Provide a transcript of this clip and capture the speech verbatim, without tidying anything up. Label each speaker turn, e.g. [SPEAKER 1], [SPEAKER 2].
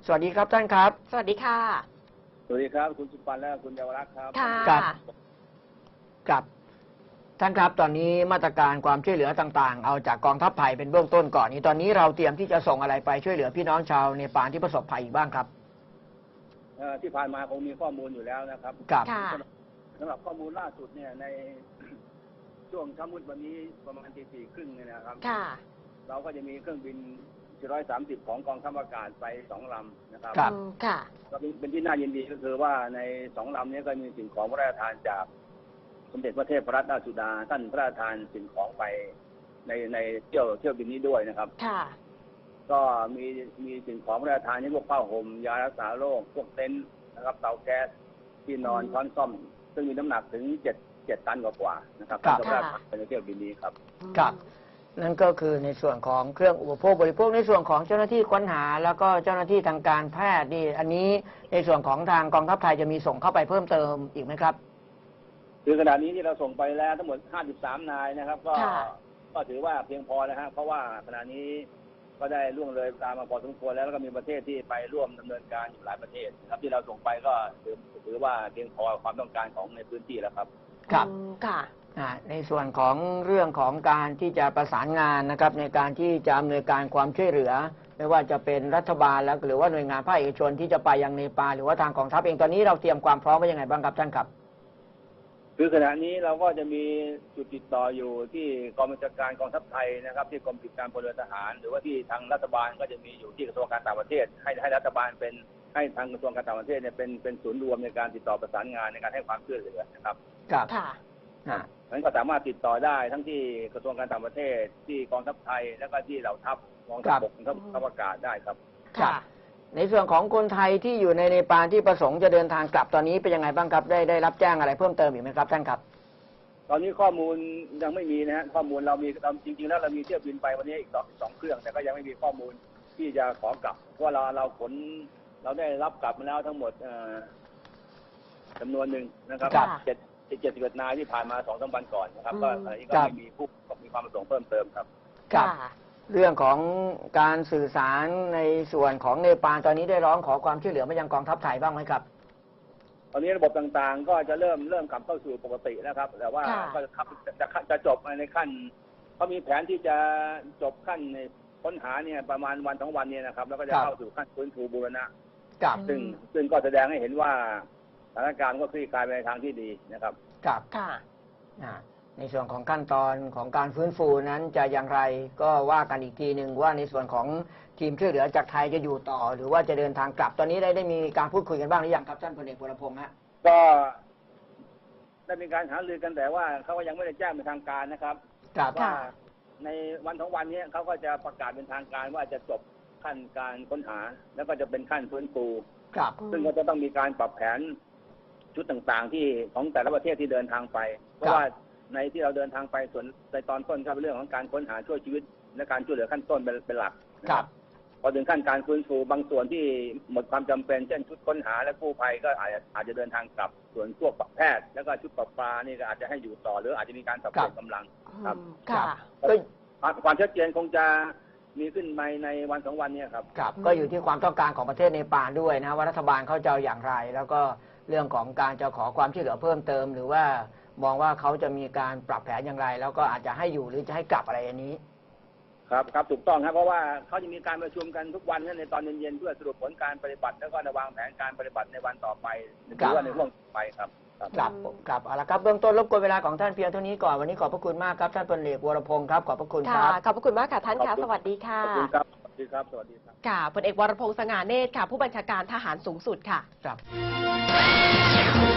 [SPEAKER 1] สวัสดีครับท่านครับ
[SPEAKER 2] สวัสดีค่ะ
[SPEAKER 3] สวัสดีครับคุณสุปันและคุณเยาวรักษ์ครับ
[SPEAKER 2] ค่ะ
[SPEAKER 1] ครับครับท่านครับตอนนี้มาตรการความช่วยเหลือต่างๆเอาจากกองทัพไทยเป็นเบื้องต้นก่อนนี้ตอนนี้เราเตรียมที่จะส่งอะไรไปช่วยเหลือพี่น้องชาวเนปาลที่ประสบภัยอีกบ้างครับ
[SPEAKER 3] ที่ผ่านมาคงมีข้อมูลอยู่แล้วนะครับ
[SPEAKER 1] ครับ
[SPEAKER 3] สำหรับข้อมูลล่าสุดเนี่ยในช่วงเช้ามืดวันนี้ประมาณตีสี่ครึ่งเนี่ยนะครับเราก็จะมีเครื่องบินสี่ร้อยสามสิบของกองทัพอากาศไปสองลำนะครับ
[SPEAKER 1] ครับ
[SPEAKER 2] ค่ะ
[SPEAKER 3] ก็เป็นที่น่ายินดีก็คือว่าในสองลำนี้ก็มีสิ่งของพระราชทานจากสมเด็จพระเทพรัตนราชสุดาท่านพระราชทานสิ่งของไปในในเที่ยวเที่ยวบินนี้ด้วยนะครับ
[SPEAKER 2] ค่ะ
[SPEAKER 3] ก็มีมีสิ่งของพระราชทานที่พวกผ้าห่มยารักษาโรคพวกเต็นท์นะครับเตาแก๊สที่นอนช้อนส้อมซึ่งมีน้ำหนักถึงเจ็ดเจ็ดตันกว่าๆนะครับท่านพระราชทานไปในเที่ยวบินนี้ครับ
[SPEAKER 1] ครับนั่นก็คือในส่วนของเครื่องอุปโภคบริโภคในส่วนของเจ้าหน้าที่ค้นหาแล้วก็เจ้าหน้าที่ทางการแพทย์นี่อันนี้ในส่วนของทางกองทัพไทยจะมีส่งเข้าไปเพิ่มเติมอีกไหมครับ
[SPEAKER 3] คือขณะนี้ที่เราส่งไปแล้วทั้งหมดห้าสิบสามนายนะครับก็ก็ถือว่าเพียงพอนะฮะเพราะว่าขณะนี้ก็ได้ล่วงเลยตามมาพอสมควรแล้วแล้วก็มีประเทศที่ไปร่วมดำเนินการอยู่หลายประเทศครับที่เราส่งไปก็ถือถือว่าเพียงพอความต้องการของในพื้นที่แล้วครับ
[SPEAKER 1] ครับค่ะในส่วนของเรื่องของการที่จะประสานงานนะครับในการที่จะอำนวยการความช่วยเหลือไม่ว่าจะเป็นรัฐบาลแล้วหรือว่าหน่วยงานภาคเอกชนที่จะไปยังเนปาลหรือว่าทางกองทัพเองตอนนี้เราเตรียมความพร้อมไว้ยังไงบ้างครับท่านครับ
[SPEAKER 3] คือขณะนี้เราก็จะมีจุดติดต่ออยู่ที่กองบัญชาการกองทัพไทยนะครับที่กรมกิจการพลเรือนทหารหรือว่าที่ทางรัฐบาลก็จะมีอยู่ที่กระทรวงการต่างประเทศให้ให้รัฐบาลเป็นให้ทางกระทรวงการต่างประเทศเนี่ยเป็นเป็นศูนย์รวมในการติดต่อประสานงานในการให้ความช่วยเหลือนะครับ
[SPEAKER 1] ครับค่ะ
[SPEAKER 3] มันก็สามารถติดต่อได้ทั้งที่กระทรวงการต่างประเทศที่กองทัพไทยแล้วก็ที่เหล่าทัพกองทัพบกกองทัพอากาศได้ครับ
[SPEAKER 1] ค่ะในส่วนของคนไทยที่อยู่ในเนปาลที่ประสงค์จะเดินทางกลับตอนนี้เป็นยังไงบ้างครับได้ได้รับแจ้งอะไรเพิ่มเติมอีกไหมครับท่านครับ
[SPEAKER 3] ตอนนี้ข้อมูลยังไม่มีนะฮะข้อมูลเรามีเราจริงๆแล้วเรามีเที่ยวบินไปวันนี้อีกสองสองเครื่องแต่ก็ยังไม่มีข้อมูลที่จะขอกลับเพราะเราเราขนเราได้รับกลับมาแล้วทั้งหมดจำนวนหนึ่งนะครับเจ็ดเจ็ดสิบเอ็ดนายที่ผ่านมาสองสามวันก่อนนะครับก็อะไรก็ไม่มีผู้มีความประสงค์เพิ่มเติมครับ
[SPEAKER 1] ครับเรื่องของการสื่อสารในส่วนของเนปาลตอนนี้ได้ร้องขอความช่วยเหลือมายังกองทัพไทยบ้างไหมครับ
[SPEAKER 3] ตอนนี้ระบบต่างๆก็จะเริ่มเริ่มกลับเข้าสู่ปกติแล้วครับแต่ว่าก็จะจะจะจบในขั้นเขามีแผนที่จะจบขั้นค้นหาเนี่ยประมาณวันสองวันนี้นะครับแล้วก็จะเข้าสู่ขั้นฟื้นฟูบูรณะซึ่งซึ่งก็แสดงให้เห็นว่าสถานการณ์ก็คลี่คลายไปในทางที่ดีนะครับ
[SPEAKER 1] ครับค่ะในส่วนของขั้นตอนของการฟื้นฟูนั้นจะอย่างไรก็ว่ากันอีกทีหนึ่งว่าในส่วนของทีมช่วยเหลือจากไทยจะอยู่ต่อหรือว่าจะเดินทางกลับตอนนี้ได้ได้มีการพูดคุยกันบ้างหรือยังครับท่านพลเอกวรพงษ์ฮะ
[SPEAKER 3] ก็ได้มีการหารือกันแต่ว่าเขาก็ยังไม่ได้แจ้งเป็นทางการนะครับว่าในวันสองวันนี้เขาก็จะประกาศเป็นทางการว่าจะจบขั้นการค้นหาแล้วก็จะเป็นขั้นฟื้นฟูซึ่งก็จะต้องมีการปรับแผนชุดต่างๆที่ของแต่ละประเทศที่เดินทางไปเพราะว่าในที่เราเดินทางไปส่วนในตอนต้นก็เป็นเรื่องของการค้นหาช่วยชีวิตและการช่วยเหลือขั้นต้นเป็นเป็นหลัก
[SPEAKER 1] ครับ
[SPEAKER 3] พอถึงขั้นการฟื้นฟูบางส่วนที่หมดความจำเป็นเช่นชุดค้นหาและกู้ภัยก็อาจจะอาจจะเดินทางกลับส่วนพวกแพทย์แล้วก็ชุดปราบปรามนี่ก็อาจจะให้อยู่ต่อหรืออาจจะมีการสับเปลี่ยนกำลังครับความชัดเจนคงจะมีขึ้นในในวันสองวันนี้ครับ
[SPEAKER 1] ครับก็อยู่ที่ความต้องการของประเทศเนปาลด้วยนะว่ารัฐบาลเขาจะอย่างไรแล้วก็เรื่องของการจะขอความช่วยเหลือเพิ่มเติมหรือว่ามองว่าเขาจะมีการปรับแผนอย่างไรแล้วก็อาจจะให้อยู่หรือจะให้กลับอะไรอย่างนี้
[SPEAKER 3] ครับครับถูกต้องครับเพราะว่าเขาจะมีการประชุมกันทุกวันในตอนเย็นๆเพื่อสรุปผลการปฏิบัติแล้วก็วางแผนการปฏิบัติในวันต่อไปหรือว่าในช่วงต่อไปครับ
[SPEAKER 1] ครับครับเอาละครับเบื้องต้นรบกวนเวลาของท่านเพียงเท่านี้ก่อนวันนี้ขอบพระคุณมากครับท่านพลเอกวรพงศ์ครับขอบพระคุณครับ
[SPEAKER 2] ขอบพระคุณมากค่ะท่านค่ะสวัสดีค่ะ
[SPEAKER 3] ขอบคุณครับสวัสดีครับสวัสดีครับ
[SPEAKER 2] ค่ะพลเอกวรพงศ์สง่าเนตรค่ะผู้บัญชาการทหารสูงสุดค่ะ
[SPEAKER 1] ครับ